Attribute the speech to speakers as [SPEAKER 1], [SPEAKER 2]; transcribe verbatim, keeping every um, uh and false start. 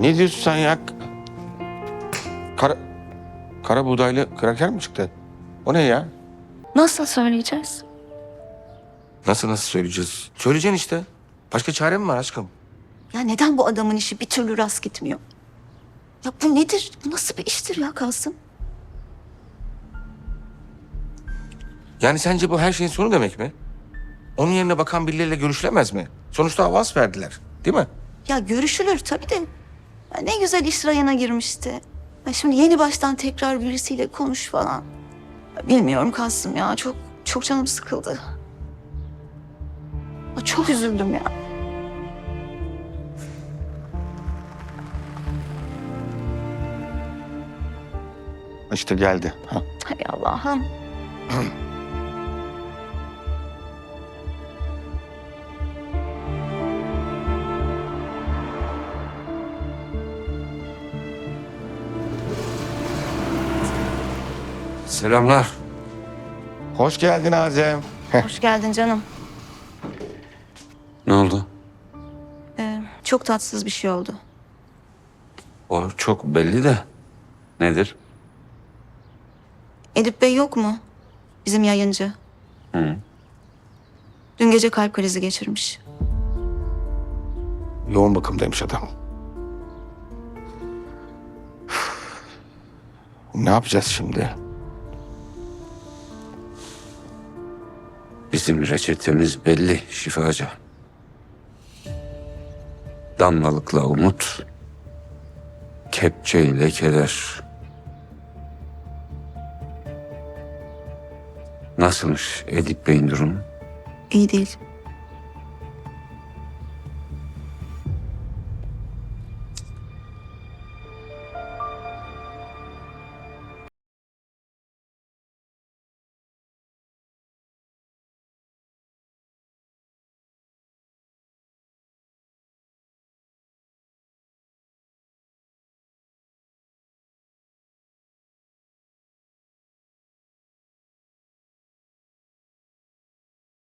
[SPEAKER 1] Ne diyorsun sen ya? Kara, kara buğdaylı kraker mi çıktı? O ne ya?
[SPEAKER 2] Nasıl söyleyeceğiz?
[SPEAKER 1] Nasıl nasıl söyleyeceğiz? Söyleyeceksin işte. Başka çare mi var aşkım?
[SPEAKER 2] Ya neden bu adamın işi bir türlü rast gitmiyor? Ya bu nedir? Bu nasıl bir iştir ya Kasım?
[SPEAKER 1] Yani sence bu her şeyin sonu demek mi? Onun yerine bakan birileriyle görüşülemez mi? Sonuçta avans verdiler, değil mi?
[SPEAKER 2] Ya görüşülür tabii de. Ya ne güzel iş rayına girmişti. Ya şimdi yeni baştan tekrar birisiyle konuş falan. Ya bilmiyorum Kasım ya. Çok çok canım sıkıldı. Ya çok üzüldüm ya.
[SPEAKER 1] İşte geldi. Ha.
[SPEAKER 2] Hay Allah'ım.
[SPEAKER 3] Selamlar.
[SPEAKER 1] Hoş geldin Azem.
[SPEAKER 2] Hoş geldin canım.
[SPEAKER 3] Ne oldu?
[SPEAKER 2] Ee, çok tatsız bir şey oldu.
[SPEAKER 3] O çok belli de. Nedir?
[SPEAKER 2] Edip Bey yok mu? Bizim yayıncı.
[SPEAKER 3] Hı.
[SPEAKER 2] Dün gece kalp krizi geçirmiş.
[SPEAKER 1] Yoğun bakımdaymış adam. Ne yapacağız şimdi?
[SPEAKER 3] Bizim reçetemiz belli şifacı. Damlalıkla umut, kepçeyle keder. Nasılmış Edip Bey'in durumu?
[SPEAKER 2] İyi değil.